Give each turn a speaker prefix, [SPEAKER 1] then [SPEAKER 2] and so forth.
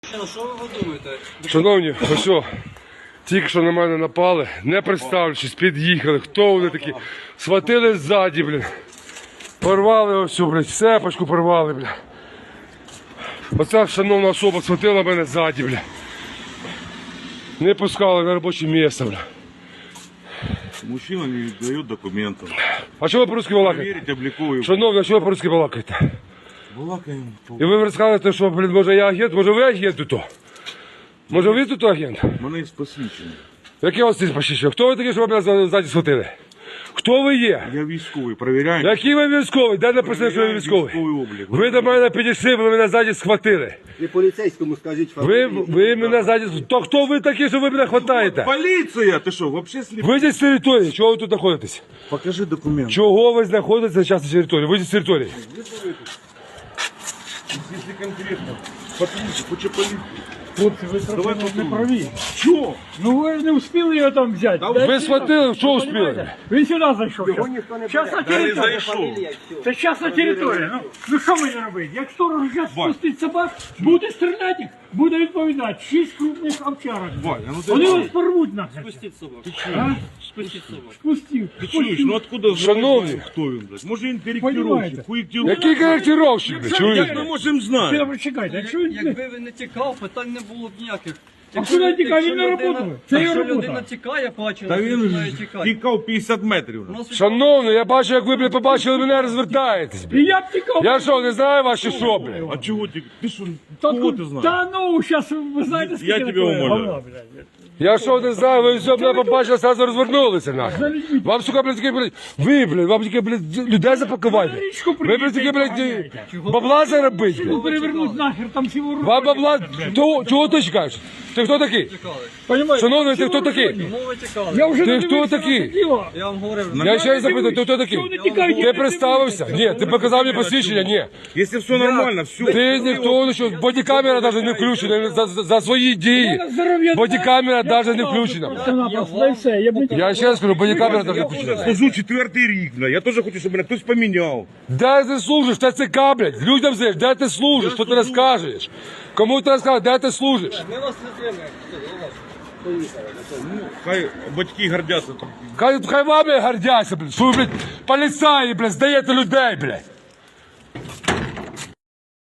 [SPEAKER 1] Що ви думаєте?
[SPEAKER 2] Шановні, ось о, тільки що на мене напали, не представлячись, під'їхали. Хто вони такі? Схватили ззаді, блін. Порвали ось, блядь, сепочку порвали, бля. Оця шановна особа схватила мене ззаді, бля. Не пускали на робоче місце, бля.
[SPEAKER 3] Мужчина не дает документов.
[SPEAKER 2] А чого ви по-русски балакаєте?
[SPEAKER 3] Проверить, обликовую.
[SPEAKER 2] Шановні, а чого ви по-русски балакаєте?
[SPEAKER 3] Балакаем.
[SPEAKER 2] І ви розказуєте, що, блін, може я агент, може ви агент тут? Може ви тут агент?
[SPEAKER 3] Мене є посвідчення.
[SPEAKER 2] Яке у вас тут посвідчення? Хто ви такі, що ви мене ззаді схватили? Хто ви є?
[SPEAKER 3] Я військовий, перевіряємо.
[SPEAKER 2] Який ви військовий? Де написано, що ви військовий?
[SPEAKER 3] Військовий облік.
[SPEAKER 2] Ви до мене підійшли, ви мене ззаді схватили.
[SPEAKER 4] Ви поліцейському скажіть
[SPEAKER 2] Ви мене ззаді... То хто ви такі, що ви мене хватаєте?
[SPEAKER 3] Поліція! Ти що, вообще сліп?
[SPEAKER 2] Вийдіть з території, чого ви тут знаходитесь?
[SPEAKER 3] Покажи документ.
[SPEAKER 2] Чого ви знаходитеся зараз на території? Вийдіть з території.
[SPEAKER 3] Якщо конкретно. Патрульчик, хоче поліцію.
[SPEAKER 5] Хлопці, ви
[SPEAKER 3] Давай
[SPEAKER 5] трохи не
[SPEAKER 3] попробуємо.
[SPEAKER 5] праві.
[SPEAKER 3] Що?
[SPEAKER 5] Ну ви ж не встигли його там взяти.
[SPEAKER 2] Ви схватили, що успіли?
[SPEAKER 5] Він сюди зайшов.
[SPEAKER 4] Його ніхто не
[SPEAKER 5] Зараз на
[SPEAKER 3] Та не
[SPEAKER 5] територію.
[SPEAKER 3] зайшов.
[SPEAKER 5] Це частна територія. Ну що мені робити? Як сторож зараз спустить собак, буде стріляти, буде відповідати. 6 крупних овчарок.
[SPEAKER 3] Ваня, ну ти
[SPEAKER 5] Вони
[SPEAKER 3] що?
[SPEAKER 5] вас порвуть нахер.
[SPEAKER 1] Спустіть собаку.
[SPEAKER 5] А?
[SPEAKER 1] Спустіть собаку.
[SPEAKER 5] Спустив.
[SPEAKER 3] Ти чуєш, ну откуда
[SPEAKER 2] Шановні.
[SPEAKER 3] знаєш, хто він, блядь? Може він
[SPEAKER 5] Понімаєте?
[SPEAKER 3] коректировщик, хуєктировщик?
[SPEAKER 2] Який коректировщик, блядь,
[SPEAKER 3] Як
[SPEAKER 2] чуєте?
[SPEAKER 3] ми можемо знати?
[SPEAKER 5] Добре, чекайте. Якщо він...
[SPEAKER 1] Якби він не тікав, питань не було б ніяких.
[SPEAKER 5] куди тікав? Він на роботу. Це його
[SPEAKER 1] Якщо
[SPEAKER 5] робота.
[SPEAKER 1] людина тікає, бачила,
[SPEAKER 3] Та
[SPEAKER 1] що
[SPEAKER 3] він
[SPEAKER 1] починає
[SPEAKER 3] ж
[SPEAKER 1] тікати.
[SPEAKER 3] тікав 50 метрів.
[SPEAKER 1] У нас
[SPEAKER 2] Шановний, я бачу, як ви, блядь, побачили мене, розвертаєтесь,
[SPEAKER 5] І
[SPEAKER 2] блядь.
[SPEAKER 5] я б тікав.
[SPEAKER 2] Я що, не знаю ваші що, блядь?
[SPEAKER 3] А чого ти? Ти що,
[SPEAKER 5] Та
[SPEAKER 3] кого ти знаєш?
[SPEAKER 5] Та ну, зараз ви знаєте, скільки
[SPEAKER 3] Я тебе
[SPEAKER 5] такое
[SPEAKER 3] умоляю.
[SPEAKER 5] говна, блядь.
[SPEAKER 2] Я що не знаю, ви все мене побачили, сразу розвернулися, нахер. Вам, сука, блядь, таке, блядь, ви, блядь, вам таке, блядь, людей запакувати. Ви, блядь, таке, блядь, бабла заробити,
[SPEAKER 5] Ну
[SPEAKER 2] блядь.
[SPEAKER 5] перевернуть нахер, там всі ворують.
[SPEAKER 2] Вам бабла, чого ти чекаєш? Ти хто такий?
[SPEAKER 1] тікали.
[SPEAKER 5] Понимаєте?
[SPEAKER 2] Шановний, ти хто такий?
[SPEAKER 1] Чому ви тікали?
[SPEAKER 5] Я вже
[SPEAKER 2] Ти
[SPEAKER 5] не
[SPEAKER 2] хто
[SPEAKER 5] дивився на
[SPEAKER 2] такий?
[SPEAKER 5] це діло.
[SPEAKER 1] Я вам говорив,
[SPEAKER 2] Я ще раз запитую, ти хто такий?
[SPEAKER 5] Чого не тікаєте?
[SPEAKER 2] Ти представився? Ні, ти показав мені посвідчення? Ні.
[SPEAKER 3] Якщо все нормально, все.
[SPEAKER 2] Ти ніхто, ну що, бодікамера навіть не включена за свої дії. Бодікамера навіть не включена.
[SPEAKER 5] Просто-напросто, да і все. Я б не
[SPEAKER 2] Я ще раз кажу, бодікамера навіть не включена.
[SPEAKER 3] Служу 4-й рік, бля. Я теж хочу, щоб мене хтось поміняв.
[SPEAKER 2] Де ти служиш? ТЦК, блядь. Людям знаєш, де ти служиш? Що ти розкажеш? Кому ти розкажеш, де ти служиш?
[SPEAKER 1] ми вас не тримаємо.
[SPEAKER 3] Хай батьки гордяться.
[SPEAKER 2] Хай вами гордяться, блядь. Що ви, блядь, поліцаї, блядь, здаєте людей, блядь.